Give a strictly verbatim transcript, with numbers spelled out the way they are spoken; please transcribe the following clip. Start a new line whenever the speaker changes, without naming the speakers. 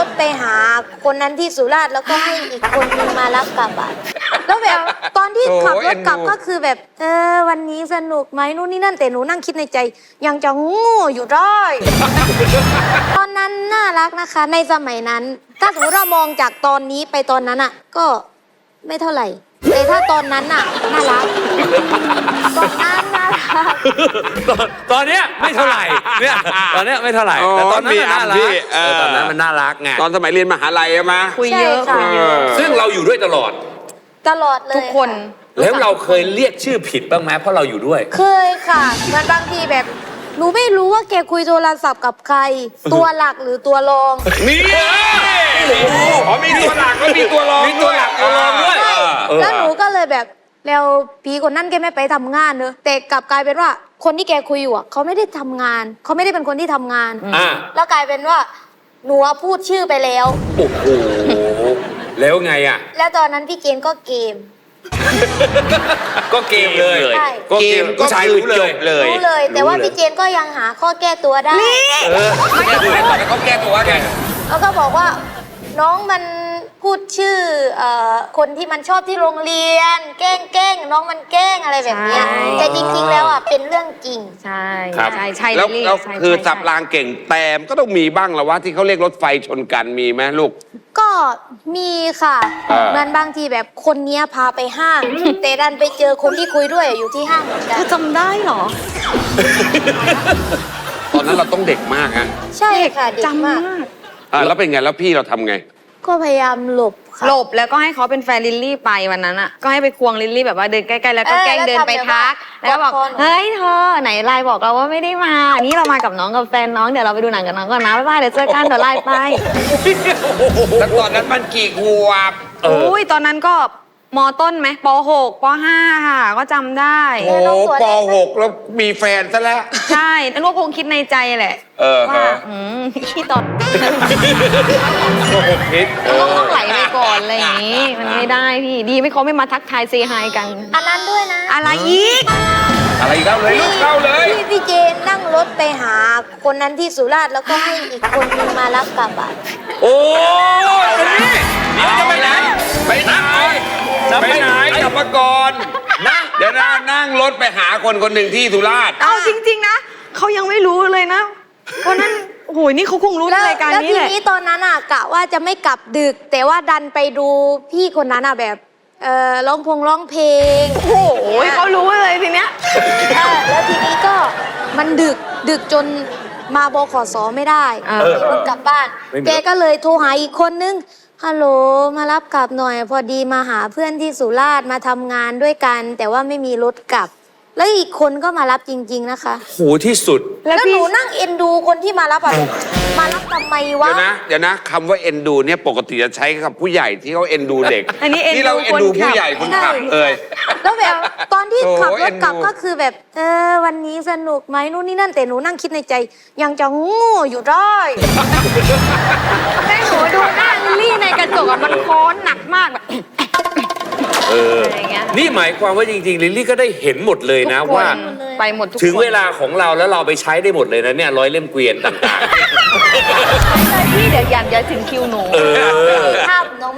ถไปหาคนนั้นที่สุราษฎร์แล้วก็ให้อีกคนนึงมารับกลับอ่ะแล้วแบบตอนที่ขับรถกลับก็คือแบบเออวันนี้สนุกไหมนู่นนี่นั่นแต่หนูนั่งคิดในใจยังจะโง่อยู่ได้ ตอนนั้นน่ารักนะคะในสมัยนั้นถ้าสมมติเรามองจากตอนนี้ไปตอนนั้นอ่ะก็ไม่เท่าไหร่แต่ถ้าตอนนั้นอ่ะน่ารักตอนนั้นน่ารัก
ตอนตอนเนี้ยไม่เท่าไหร่เนี่ยตอนเนี้ยไม่เท่าไหร่แต่ตอนนั้นมันน่ารักเออตอนนั้นมันน่ารักไง
ตอนสมัยเรียนมหาลัยอะมา
คุยเยอะ
ใช่ค่ะ
คุยเยอะ
ซึ่งเราอยู่ด้วยตลอด
ตลอดเลย
ทุกคน
แล้วเราเคยเรียกชื่อผิดบ้างไหมเพราะเราอยู่ด้วย
เคยค่ะมันบางทีแบบหนูไม่รู้ว่าแกคุยโทรศัพท์กับใคร ตัวหลักหรือตัวรอง
นี่อ๋อมีตัวหลักแล้วมีตัวรอง
มีตัวหลักตัวรองด้วย
ใช่
เออ
แล้วหนูก็เลยแบบแล้วผีคนนั้นแกไม่ไปทำงานเนอะแต่กลับกลายเป็นว่าคนที่แกคุยอยู่อะเขาไม่ได้ทำงานเขาไม่ได้เป็นคนที่ทำงาน
อ่า
แล้วกลายเป็นว่าหนูอะพูดชื่อไปแล้ว
โอ้โหแล้วไงอ่ะ
แล้วตอนนั้นพี่เกณฑ์ก็เกม
ก็เกมเลย
ใช่
ก็เกมผู้ชายรู้เลย
รู้เลย แต่ว่าพี่เจนก็ยังหาข้อแก้ตัวได้
เออแก้ตัวแล้วเขาแก้ตัวไง
แล้วก็บอกว่าน้องมันพูดชื่อเอ่อคนที่มันชอบที่โรงเรียน แกล้งแกล้งน้องมันแกล้งอะไรแบบเนี้ย
ใช่
แต่จริงๆแล้วอ่ะเป็นเรื่องจริง
ใช่
ครับ
ใช่ใช่
แล้ว
ลิลลี่
แล้ว
ใช่
คือ
ใช่
สับรางเก่งแต่ก็ต้องมีบ้างละว่าที่เขาเรียกรถไฟชนกันมีไหมลูก
ก็มีค่ะ
เออ
เหมือนบางทีแบบคนเนี้ยพาไปห้าง แต่ดันไปเจอคนที่คุยด้วยอยู่ที่ห้างเหมือนกั
เธ
น
อจำได้เหรอ
ตอนนั้นเราต้องเด็กมากฮะ
ใช่ค่ะเด็ก
จำ
มาก
มาก
อ่าแล้วเป็นไงแล้วพี่เราทำไง
ก็พยายามหลบค่ะ
หลบแล้วก็ให้เขาเป็นแฟนลิลลี่ไปวันนั้นอ่ะก็ให้ไปควงลิลลี่แบบว่าเดินใกล้ๆแล้วก็
เออ
แกล้งเดินไปทัก
แล้
แล้ว
ว
ก็
ทำแบบ
บอก
กอดคอหนู
เฮ้ยเธอไหนไลน์บอกเราว่าไม่ได้มานี่เรามากับน้องกับแฟนน้องเดี๋ยวเราไปดูหนังกับน้องก่อนนะบ๊ายบายเดี๋ยวเจอกันเดี๋ยวไลน์ไป
แล้วตอนนั้นมันกี่ขวบ
เออ
อุ้ยตอนนั้นก็มต้นไหมปหกปห้าค่ะก็จำได้
โอ้ปหกแล้วมีแฟนซะแล้ว
ใช่นั่นก็คงคิดในใจแหละ
เออ
ว่า
ฮะ
อืมพี่ตอน
พิษ
มันก็ต้องไหลไปก่อนอะไรอย่างนี้ มันไม่ได้พี่ ดีไม่เขาไม่มาทักทายเซฮายกัน
อันนั้นด้วยนะ
อะไรอีก
อะไรอีกเล่าเลยลูกเล่าเลย
พี่พี่เจนนั่งรถไปหาคนนั้นที่สุราษฎร์แล้วก็ให้อีกคนนึงมารับกลับอ่ะ
โอ้ยคนนี้เดี๋ยวจะไปไหน
ไปไหน
จะ
ไป
ไป
ไห
ไห
น
น
กลับมาก่อนนะเดี๋ยวนะนั่งรถไปหาคนคนหนึ่งที่สุราษฎร์
เอาจริง ๆ นะ เขายังไม่รู้เลยนะวันนั้นโอ้โหนี่เขาคงรู้ใน
แล้ว
รายการ
แล้ว
นี้
ที
แหละ
นี้ตอนนั้นอ่ะกะว่าจะไม่กลับดึก แต่ว่าดันไปดูพี่คนนั้นอ่ะแบบเออร้องพงร้องเพลง
โอ้โหเขารู้เลยทีเนี้ย
เออแล้วทีนี้ก็มันดึกดึกจนมาบขสไม่ได้
เออ
รถกลับบ้าน
ไม่มี
แกก็เลยโทรหาอีกคนนึงฮัลโหลมารับกลับหน่อย พอดีมาหาเพื่อนที่สุราษฎร์มาทำงานด้วยกัน แต่ว่าไม่มีรถกลับ แล้วอีกคนก็มารับจริง ๆนะคะ
โหที่สุด
แล้วหนูนั่งเอ็นดูคนที่มารับอะมารับทำไมวะ
เดี๋ยวนะเดี๋ยวนะคำว่าเอ็นดูเนี่ยปกติจะใช้กับผู้ใหญ่ที่เขาเอ็นดูเด็ก
อันนี้เอ็นดู
เราเอ็นดูผู้ใหญ่คนขับ
ใช่
เอ่ย
แล้วแบบตอนที่
โอ้
ขับร
เอ็
ถ
นดู
กลับก็คือแบบเออวันนี้สนุกไหมนู่นนี่นั่นแต่หนูนั่งคิดในใจ ยังจะโง่อยู่ได้
ให้หนูดูหน้าลิลลี่ในกระจกอะมันโค้นหนักมากแบบ
เออ
อะไรอย่างเงี้ย
นี่หมายความว่าจริงๆลิลลี่ก็ได้เห็นหมดเลยนะ
ทุกค
ว่า
ไปหมดทุกคน
ถึงเวลาของเราแล้วเราไปใช้ได้หมดเลยนะเนี่ยร้อยเล่มเกวียนต่าง
พี่เดี๋ยวยันเดี๋ยวถึงคิวหนู
ๆ เออ
ภาพน้อง